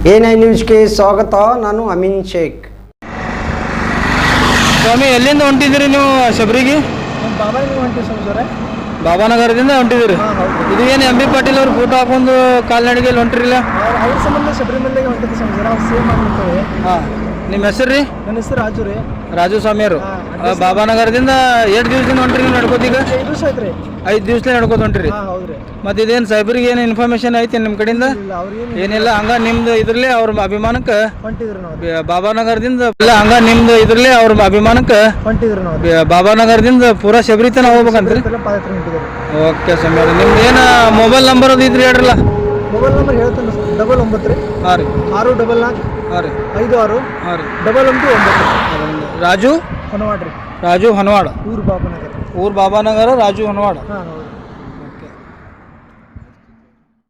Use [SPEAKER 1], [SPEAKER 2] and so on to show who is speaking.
[SPEAKER 1] A9 ನ್ಯೂಸ್ಗೆ ಸ್ವಾಗತ. ನಾನು ಅಮೀನ್ ಶೇಖ್.
[SPEAKER 2] ಸ್ವಾಮಿ, ಎಲ್ಲಿಂದ ಹೊಂಟಿದ್ದೀರಿ ನೀವು ಶಬರಿಗೆ? ಬಾಬಾನಗರದಿಂದ ಹೊಂಟಿದ್ದೀರಿ. ಇದು ಏನು ಎಂ ಬಿ ಪಾಟೀಲ್ ಅವ್ರು ಫೋಟೋ ಹಾಕೊಂಡು ಕಾಲ್ನಡಿಗೆಯಲ್ಲಿ ಹೊಂಟಿರಿಲ್ಲ?
[SPEAKER 3] ಅವ್ರ ಸಂಬಂಧ ಶಬರಿಮಲೆಗೆ ಹೊಂಟಿದ್ದೆ ಸ್ವಾಮಿ. ನಾವು ಸೇಮ್ ಮಾಡ್ತೇವೆ.
[SPEAKER 2] ಹಾಂ, ನಿಮ್ಮ ಹೆಸರು ರೀ?
[SPEAKER 3] ನನ್ನ ಹೆಸರು ರಾಜು ರೀ.
[SPEAKER 2] ರಾಜು ಸ್ವಾಮಿಯವರು. ಬಾಬಾನಗರದಿಂದ ಎಷ್ಟು ದಿವಸದಿಂದ ಹೊಂಟ್ರಿ ನಡ್ಕೋತೀಗ?
[SPEAKER 3] 5 ದಿವಸ ಆಯ್ತು ರೀ.
[SPEAKER 2] 5 ದಿವಸಲೇ ನಡ್ಕೋತ ಹೊಂಟ್ರಿ.
[SPEAKER 3] ಹೌದ್ರಿ.
[SPEAKER 2] ಮತ್ತೆ ಇದೇನು ಸೈಬರಿಗೆ ಏನು ಇನ್ಫಾರ್ಮೇಶನ್ ಐತಿ ನಿಮ್ಮ ಕಡೆಯಿಂದ? ಏನಿಲ್ಲ, ಹಂಗ ನಿಮ್ದು ಇದ್ರಲ್ಲೇ ಅವ್ರ ಅಭಿಮಾನಕ್ಕೆ
[SPEAKER 3] ಹೊಂಟಿದ್ರು ನಾವು.
[SPEAKER 2] ಬಾಬಾನಗರದಿಂದ ಇಲ್ಲ, ಹಂಗ ನಿಮ್ದು ಇದ್ರಲ್ಲೇ ಅವ್ರ ಅಭಿಮಾನಕ್ಕೆ
[SPEAKER 3] ಹೊಂಟಿದ್ರು ನಾವು.
[SPEAKER 2] ಬಾಬಾನಗರದಿಂದ ಪೂರಾ ಶಬರಿತನ ಹೋಗ್ಬೇಕಂತ್ರಿ?
[SPEAKER 3] ಪಾದಯಾತ್ರೆ ಹೊಂಟಿದ್ರು.
[SPEAKER 2] ಓಕೆ ಸ್ವಾಮಿ, ನಿಮ್ದು ಏನು ಮೊಬೈಲ್ ನಂಬರ್ ಅದು ಇದ್ರಿ ಹೇಳ್ರಲ್ಲ?
[SPEAKER 3] ಮೊಬೈಲ್ ನಂಬರ್ ಹೇಳ್ತೇನೆ. 99 ರೀ.
[SPEAKER 2] ಹಾಂ ರೀ.
[SPEAKER 3] 644
[SPEAKER 2] ಹಾಂ ರೀ.
[SPEAKER 3] 56
[SPEAKER 2] ಹಾಂ ರೀ.
[SPEAKER 3] 11
[SPEAKER 2] ರಾಜು
[SPEAKER 3] ಹೊನವಾಡ ರೀ.
[SPEAKER 2] ರಾಜು ಹೊನವಾಡ,
[SPEAKER 3] ಊರು ಬಾಬಾನಗರ.
[SPEAKER 2] ಊರು ಬಾಬಾನಗರ, ರಾಜು ಹೊನವಾಡ.
[SPEAKER 3] ಹಾಂ ಹೌದು.